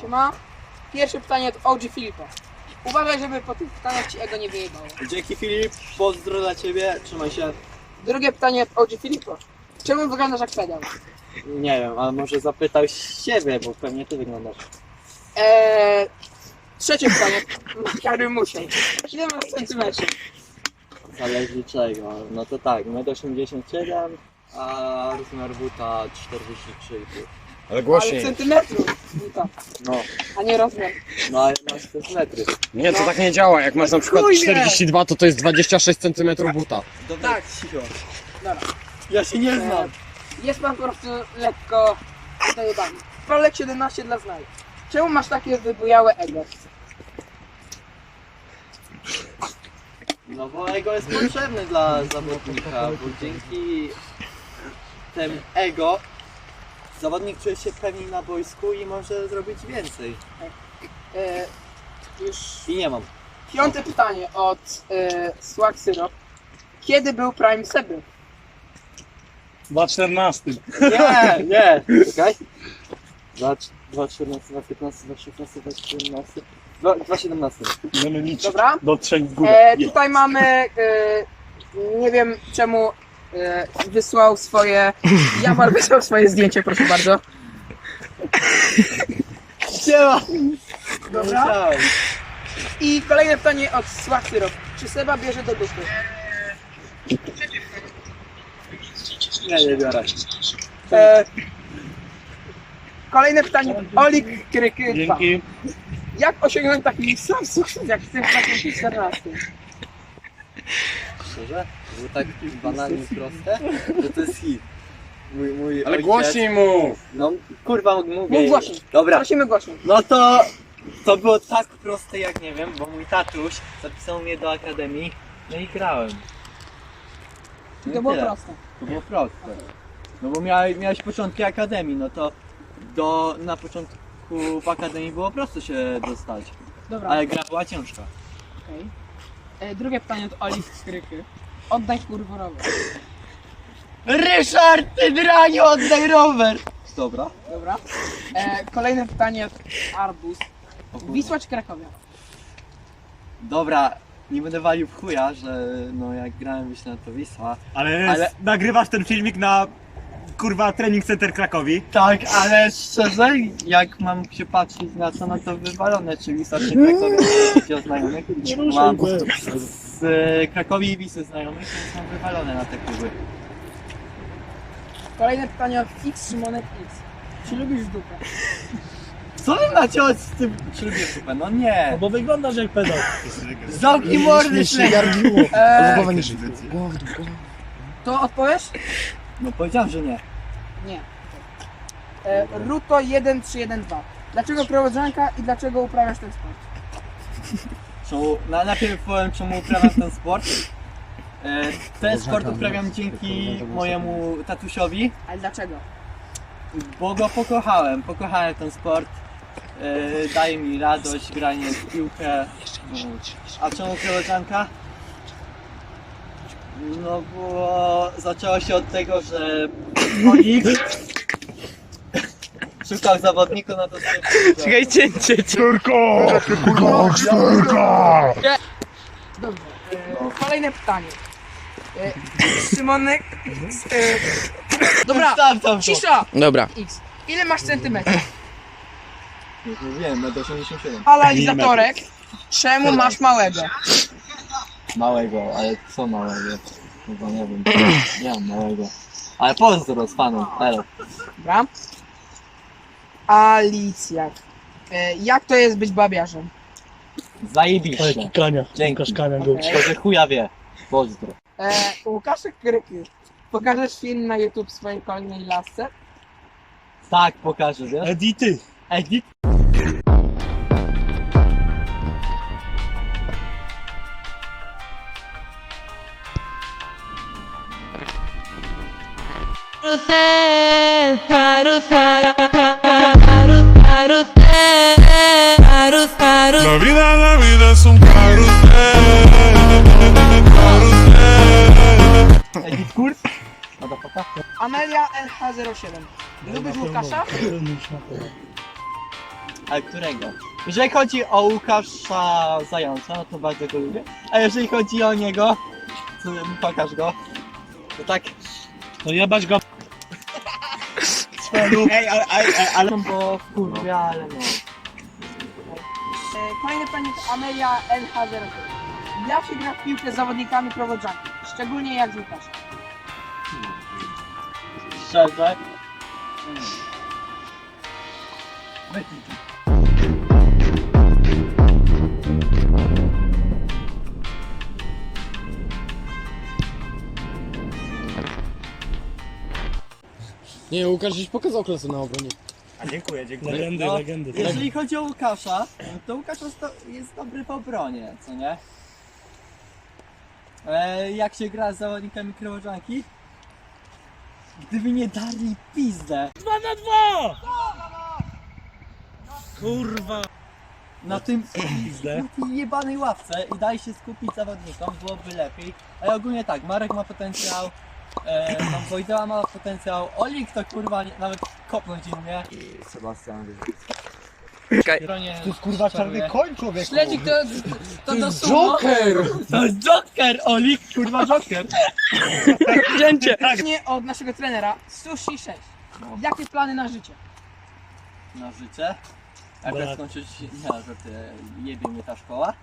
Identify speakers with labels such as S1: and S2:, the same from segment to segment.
S1: Siema. Pierwsze pytanie od OG Filipa. Uważaj, żeby po tych pytaniach ci ego nie wyjebało.
S2: Dzięki Filip, pozdro dla ciebie, trzymaj się.
S1: Drugie pytanie od OG Filipa. Czemu wyglądasz jak pedał?
S2: Nie wiem, ale może zapytał siebie, bo pewnie ty wyglądasz.
S1: Trzecie pytanie. Jakby musiał. Ile masz centymetrów?
S2: Zależy czego. No to tak, 1,87 m, a rozmiar buta 43,5.
S3: Ale
S1: Ale
S3: głośniej.
S1: centymetrów. Buta,
S2: No,
S1: a nie rozmiar.
S2: no ale masz centymetry.
S3: Nie, to tak nie działa. Jak masz na przykład
S1: Chuj wie.
S3: 42, to jest 26 cm buta.
S2: Dobra,
S1: Tak.
S2: cicho.
S1: Dobra.
S2: Ja się nie znam.
S1: Jest pan po prostu lekko dojebany. Prolek 17 dla znajomych. Czemu masz takie wybujałe ego?
S2: No bo ego jest potrzebny dla zawodnika, bo dzięki temu ego zawodnik czuje się pewniej na boisku i może zrobić więcej.
S1: Już
S2: I nie mam.
S1: piąte pytanie od Swag Syrup. Kiedy był Prime Seby?
S4: 2,14.
S2: Nie, nie. Czekaj. 2,14, 2,15, 2,16, 2,17. 2,17.
S4: Będziemy liczyć
S1: Dobra.
S4: do 3 w górę.
S1: Tutaj mamy, nie wiem czemu wysłał swoje, Jamar wysłał swoje zdjęcie, proszę bardzo.
S2: Siema.
S1: Dobra.
S2: Musiałem.
S1: I kolejne pytanie od Swag Syrup. Czy Seba bierze do dupy?
S2: Nie biorę.
S1: Kolejne pytanie od Olik Kryky 2.
S4: Dzięki.
S1: Jak osiągnąć taki sam sukces jak w tym 2014?
S2: Szczerze? Było tak banalnie proste, że to jest hit. Mój
S3: Ale
S2: ojciec-
S3: głośniej mów!
S2: No kurwa mówię.
S1: Mów głośniej.
S2: Dobra.
S1: Prosimy głośniej.
S2: No to było tak proste jak nie wiem, bo mój tatuś zapisał mnie do akademii, no i grałem. No i
S1: To było
S2: tyle.
S1: proste.
S2: To było proste. No bo miałeś początki akademii, no to na początku w akademii było prosto się dostać,
S1: Dobra.
S2: ale gra była ciężka.
S1: Okej. Drugie pytanie od Olik Kryky. Oddaj kurwa rower.
S2: Ryszard, ty draniu, oddaj rower! Dobra.
S1: Dobra. Kolejne pytanie od Arbus. Wisła czy Krakowia?
S2: Dobra, nie będę walił w chuja, że no jak grałem Wiśnia to Wisła.
S4: Ale nagrywasz ten filmik na kurwa Training Center Krakowi.
S2: Tak, ale szczerze, jak mam się patrzeć na co, no to wywalone, czy Wisła czy Krakowi, o znajomych. Mam z Krakowi i Wisły znajomych, więc są wywalone na te kluby.
S1: Kolejne pytanie od X Szymonek X. Czy lubisz dupę?
S2: Co wy macie z tym ślubie super? No nie!
S4: Bo wyglądasz jak pedał.
S2: Zamknij mordy, śledzia!
S1: To odpowiesz?
S2: No powiedziałem, że nie.
S1: Nie. Ruto 1312. Dlaczego koleżanka i dlaczego uprawiasz ten sport?
S2: Najpierw powiem, czemu uprawiam ten sport. Ten sport uprawiam dzięki mojemu tatusiowi,
S1: Ale dlaczego?
S2: bo go pokochałem ten sport. Daje mi radość, granie w piłkę. A czemu koleżanka? No bo zaczęło się od tego, że Olik szukał zawodnika na to
S1: Czekaj, cięcie. Dobrze. Kolejne pytanie. Szymonek X. Dobra, cisza!
S3: Dobra.
S1: X. Ile masz centymetrów?
S2: Nie wiem, 1,87 m.
S1: Analizatorek. Czemu masz małego?
S2: Małego, ale co małego? Chyba nie wiem. Nie mam małego. Ale pozdro z fanem, elo.
S1: Dobra. Alicja. Jak to jest być babiarzem?
S2: Zajebiście.
S4: Kania.
S2: Dzięki.
S4: Kania go.
S1: Okej.
S2: To, że chuja wie. Pozdro.
S1: Łukaszek Kryky. Pokażesz film na YouTube swojej kolejnej lasce?
S2: Tak, pokażę, wiesz?
S4: Edity.
S2: Edit?
S5: La vida es un carrusel.
S2: Edit kurs? Motherfucker.
S1: Amelia LH07. Lubisz Łukasza?
S2: Ale którego? Jeżeli chodzi o Łukasza Zająca, no to bardzo go lubię. A jeżeli chodzi o niego, to pokaż go. To tak,
S4: To jebać go. Ej, ale...
S2: no bo kurwa, ale no.
S1: Kolejne pytanie to Amelia LH0. Jak się gra w piłkę z zawodnikami prowadzącymi? Szczególnie jak z Łukaszem.
S2: Szczerze.
S3: Nie, Łukasz dziś pokazał klasę na obronie.
S4: A dziękuję.
S6: Legendy,
S2: No,
S6: legendy.
S2: Jeżeli chodzi o Łukasza, to Łukasz jest dobry w obronie, co nie? Jak się gra z zawodnikami Krowożanki? Gdyby nie dali pizdę
S6: 2 na 2! Kurwa.
S2: na tym
S6: Pizdę.
S2: na tej jebanej ławce i daj się skupić zawodnikom, byłoby lepiej. Ale ogólnie tak, Marek ma potencjał, Wojdeła ma potencjał, Olik to kurwa nawet kopnąć innie. I Sebastian
S4: To jest kurwa czarny koń, człowieku.
S1: Śledzik to do sumo.
S3: Joker!
S2: To jest Joker, Olik, kurwa Joker.
S1: Wzięcie. Nie od naszego trenera Sushi 6. Jakie plany na życie?
S2: Na życie. Jak
S6: Tak.
S2: skończyć, nie, że ty jebie mnie ta szkoła.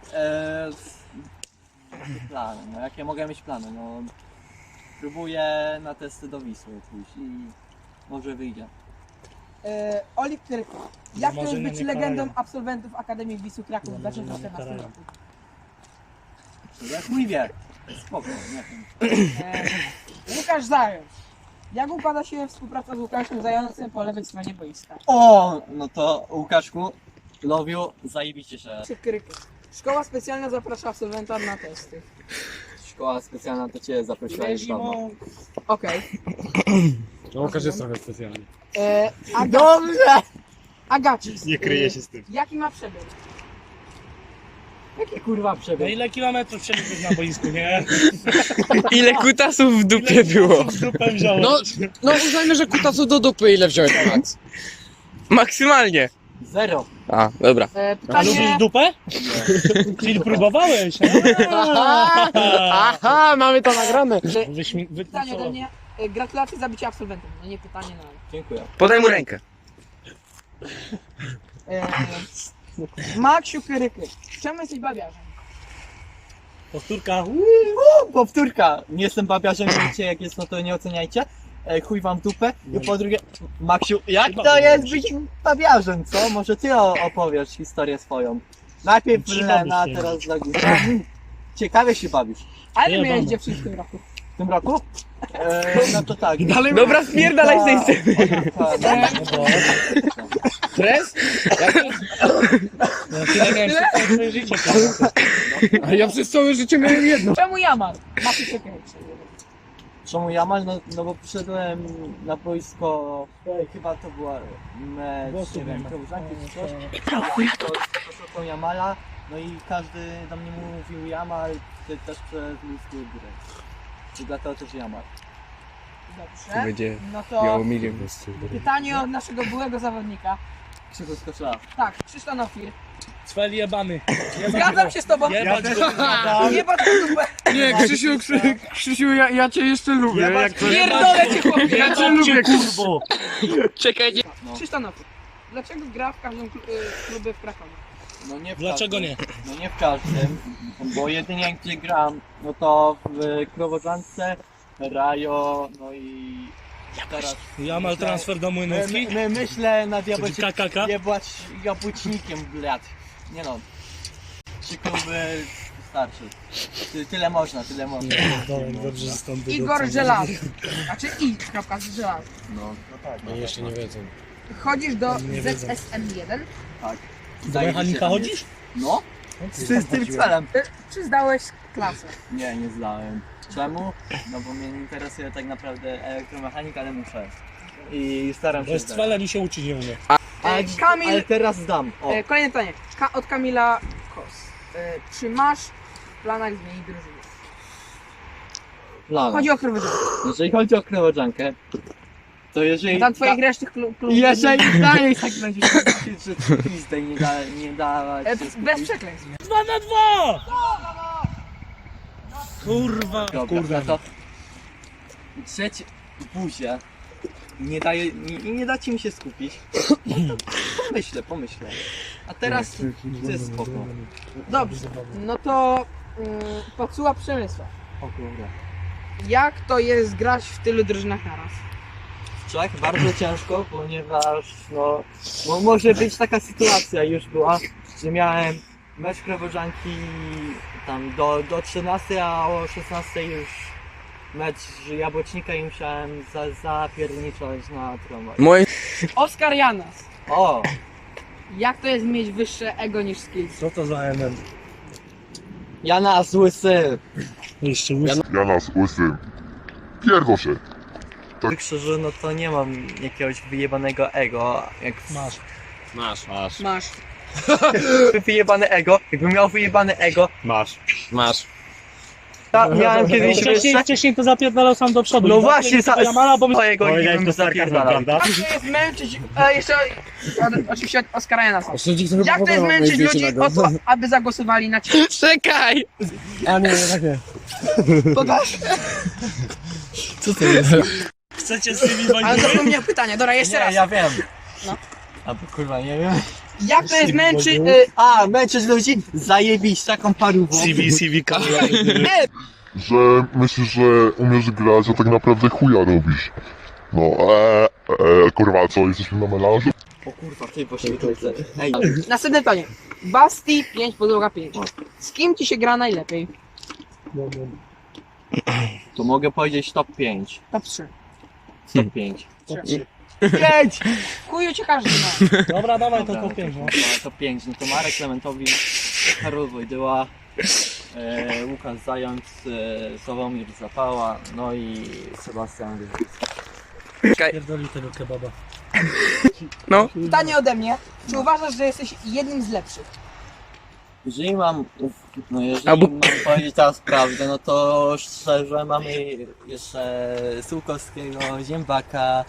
S2: Jakie plany? No jakie mogę mieć plany? No próbuję na testy do Wisły pójść i może wyjdzie.
S1: Olik Kryko. Jak to jest
S6: Marzenia
S1: być
S6: nie
S1: legendą
S6: karają.
S1: absolwentów Akademii Wisły Kraków w
S6: Marzenia nie
S1: 2014
S6: karają.
S1: roku?
S2: Jak mój wie. Spoko, nie wiem.
S1: Łukasz Zając. Jak układa się współpraca z Łukaszem Zającem po lewej stronie boiska?
S2: O, no to Łukaszku, loviu, zajebiście się.
S1: Kryko. Szkoła specjalna zaprasza absolwenta na testy.
S2: Szkoła specjalna to cię zaprosiła już dawno.
S1: Okej.
S3: No, Łukasz jest trochę specjalny.
S2: Dobrze!
S1: Agacis.
S4: Nie kryje się z tym.
S1: Jaki ma przebieg?
S2: Jaki kurwa
S6: No
S2: przebieg?
S6: ile kilometrów przeliczyć na boisku, nie?
S7: Ile kutasów w dupie
S6: Ile
S7: było?
S6: kutasów w dupę wziąłem?
S3: No uznajmy, że kutacu do dupy ile wziąłeś, Max?
S7: Maksymalnie.
S2: Zero.
S7: A, dobra.
S6: A
S1: Pytanie...
S6: lubisz dupę? Czyli próbowałeś,
S3: Aha, mamy to nagrane.
S1: Pytanie ode mnie. Gratulacje zabicia absolwentem. No nie pytanie, no ale.
S2: Dziękuję.
S7: Podaj mu rękę.
S1: Maksiu Kryky. Czemu jesteś bawiarzem?
S6: Powtórka.
S2: Powtórka. Nie jestem babiarzem, wiecie jak jest, no to nie oceniajcie. Chuj wam w dupę. I po drugie, Maksiu, jak to jest być babiarzem, co? Może ty opowiesz historię swoją. Najpierw
S6: Ci
S2: Lena,
S6: bawisz się.
S2: teraz dla Gusta. Ciekawie się bawisz.
S1: Ale
S6: Nie,
S1: miałeś
S6: mama.
S1: dziewczynę w tym roku.
S2: W tym roku? No to tak.
S7: Dobra, spierdalaj z tej sceny.
S3: Stres?
S6: No, tyle miałem przez całe swoje życie. kurwa.
S3: A ja przez całe życie miałem jedno.
S1: Czemu Jamal? Maksiu Kryky.
S2: Czemu Jamal? No bo przyszedłem na boisko, chyba to była mecz, nie wiem, Krowożanki czy coś. To Jamala, no i każdy do mnie mówił Jamal, ty też przez ludzkie gry. I dlatego też Jamal.
S1: Dobrze.
S7: Będzie
S1: No to
S7: miał milion.
S1: pytanie od naszego byłego zawodnika.
S2: Krzyku skoczyła.
S1: Tak, Krzysztof Nofir.
S6: Cwel jebany.
S1: Zgadzam się z tobą.
S6: Jebać go.
S1: Jebać w dupę.
S3: Nie, Krzysiu, ja cię jeszcze lubię. Jak to...
S1: Pierdolę cię chłopie.
S3: Ja cię lubię,
S6: kurwo.
S7: Czekaj, nie.
S1: Krzysztof Nofir. Dlaczego gra w każdym klubie w Krakowie?
S2: No nie w
S6: Dlaczego
S2: każdym.
S6: nie?
S2: No nie w każdym, bo jedynie gdzie gram, no to w Krowożance, Rajo, no i teraz...
S6: Jamal transfer do Młynówki.
S2: Myślę nad
S6: Czyli KKK.
S2: jabłecznikiem, blad. Nie no. 3 kluby starczy. Tyle można, tyle można.
S6: Dobrze, że stąd
S1: Igor Żelazo. Znaczy I. Kropka z Żelazo.
S2: No tak.
S3: Oni jeszcze nie wiedzą.
S1: Chodzisz do
S6: Nie wiedzą.
S1: ZSM1.
S2: Tak.
S6: Do mechanika chodzisz?
S2: No. Z tym celem.
S1: Czy zdałeś klasę?
S2: Nie zdałem. Czemu? No bo mnie nie interesuje tak naprawdę elektromechanika, ale muszę. I staram
S6: Bo
S2: się
S6: jest
S2: zdać.
S6: cwelem i się uczyć nie umie.
S1: Kamil.
S2: Ale teraz zdam. O.
S1: Kolejne pytanie. Od Kamila Kos. Czy masz w planach zmienić drużynę?
S2: Plan.
S1: Chodzi o Krowożankę.
S2: Jeżeli chodzi o Krowożankę, To jeżeli...
S1: Tam twoich resztych klubów.
S2: Jeżeli dalej tak będziesz mówić, że pizdę nie dawać...
S1: Bez przekleństw.
S6: 2 na 2! Kurwa.
S2: Dobra, to... Trzecie... Buzie. Nie dacie mi się skupić. Pomyślę. A teraz to jest spoko.
S1: Dobrze, no to Pacuła Przemysła.
S2: O kurde.
S1: Jak to jest grać w tylu drużynach naraz?
S2: W Czech bardzo ciężko, ponieważ no może być taka sytuacja już była, że miałem mecz Krewożanki tam do 13, a o 16 już mecz Jabłocznika i musiałem zapierniczać na tramwaj.
S7: Moje...
S1: Oskar Janas.
S2: O!
S1: Jak to jest mieć wyższe ego niż skills?
S6: Co to za MM?
S2: Jana Łysy!
S6: Jeszcze łysy.
S5: Ja nas łysym. Pierdol się.
S2: Tak szczerze, no to nie mam jakiegoś wyjebanego ego, jak
S6: Masz.
S1: Masz.
S2: wyjebane ego, jakbym miał wyjebane ego,
S6: Masz.
S2: ja miałem kiedyś wyższe.
S6: Wcześniej to zapierdalał sam do przodu.
S2: No właśnie,
S6: Jamala, bo
S2: mojego
S4: Powiedziałeś
S2: bym
S4: to sarkazmem,
S2: zapierdalał.
S4: prawda?
S1: Jak to jest męczyć, jeszcze oczywiście od Oskara Janasa. Jak to jest męczyć ludzi o to, aby zagłosowali na ciebie?
S7: Czekaj!
S1: Pokaż.
S6: Chcecie z tymi
S1: Ale
S6: wojnami?
S1: zapomniałem pytania, dobra, jeszcze raz.
S2: Ja wiem.
S1: No.
S2: A kurwa, nie wiem.
S1: Jak to jest męczyć...
S2: Męczyć ludzi? Zajebić taką parówą.
S6: CV kamera.
S5: Że myślisz, że umiesz grać, a tak naprawdę chuja robisz. No, kurwa, co, jesteśmy na melanżu?
S2: O kurwa, ty poświetlicy. Ej,
S1: Następne pytanie. Basti 5, podłoga 5. Z kim ci się gra najlepiej?
S2: to mogę powiedzieć top 5.
S1: Top 3.
S2: Top 5.
S1: 5! Chuju cię każdy ma.
S6: Dobra, dawaj to
S2: Dobra,
S6: po 5, no.
S2: Top 5. No to Marek Klementowicz, Karol Wojdyła, Łukasz Zając, Sławomir Zapała, no i Sebastian Wyrzycki.
S6: Pierdoli tego kebaba.
S1: Pytanie ode mnie. Czy uważasz, że jesteś jednym z lepszych?
S2: Jeżeli mam
S7: Albo-
S2: mam powiedzieć teraz prawdę, no to szczerze mamy jeszcze Sułkowskiego, Ziębaka,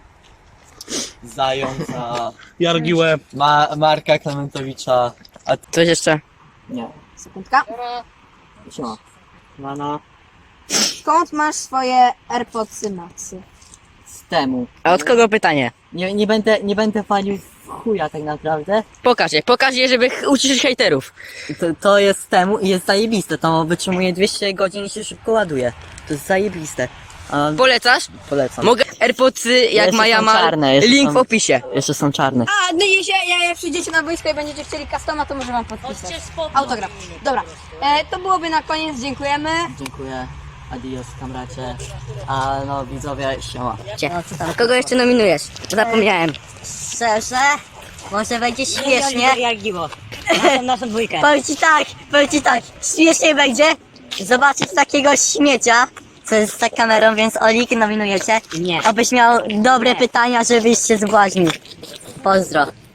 S2: Zająca,
S6: Jargiłę.
S2: Marka Klementowicza, a
S7: Coś jeszcze?
S2: nie.
S1: Sekundka.
S2: Co? No.
S8: Skąd masz swoje AirPodsy Maxy?
S2: Z temu.
S7: A od kogo pytanie?
S2: Nie będę palił w chuja tak naprawdę.
S7: Pokaż je, żeby uciszyć hejterów.
S9: To jest z temu i jest zajebiste, to wytrzymuje 200 godzin i się szybko ładuje. To jest zajebiste.
S7: Polecasz?
S9: Polecam.
S7: Mogę AirPodsy jak
S9: Jeszcze
S7: ma
S9: są
S7: Jamal.
S9: czarne, jeszcze
S7: Link
S9: są-
S7: w opisie.
S9: Jeszcze są czarne.
S8: A, no jak przyjdziecie na boisko i będziecie chcieli customa, to może wam podpisać. Autograf. Dobra, to byłoby na koniec, dziękujemy.
S9: Dziękuję. Adios, kamracie. A no widzowie, siema.
S7: Kogo jeszcze nominujesz? Zapomniałem.
S8: Szczerze, może będzie śmiesznie.
S9: Jargiło. Naszą dwójkę.
S8: Powiem ci tak, śmiesznie będzie zobaczyć takiego śmiecia, co jest za kamerą, więc Olik nominujecie.
S9: Nie.
S8: Abyś miał dobre pytania, żebyś się zbłaźnił. Pozdro.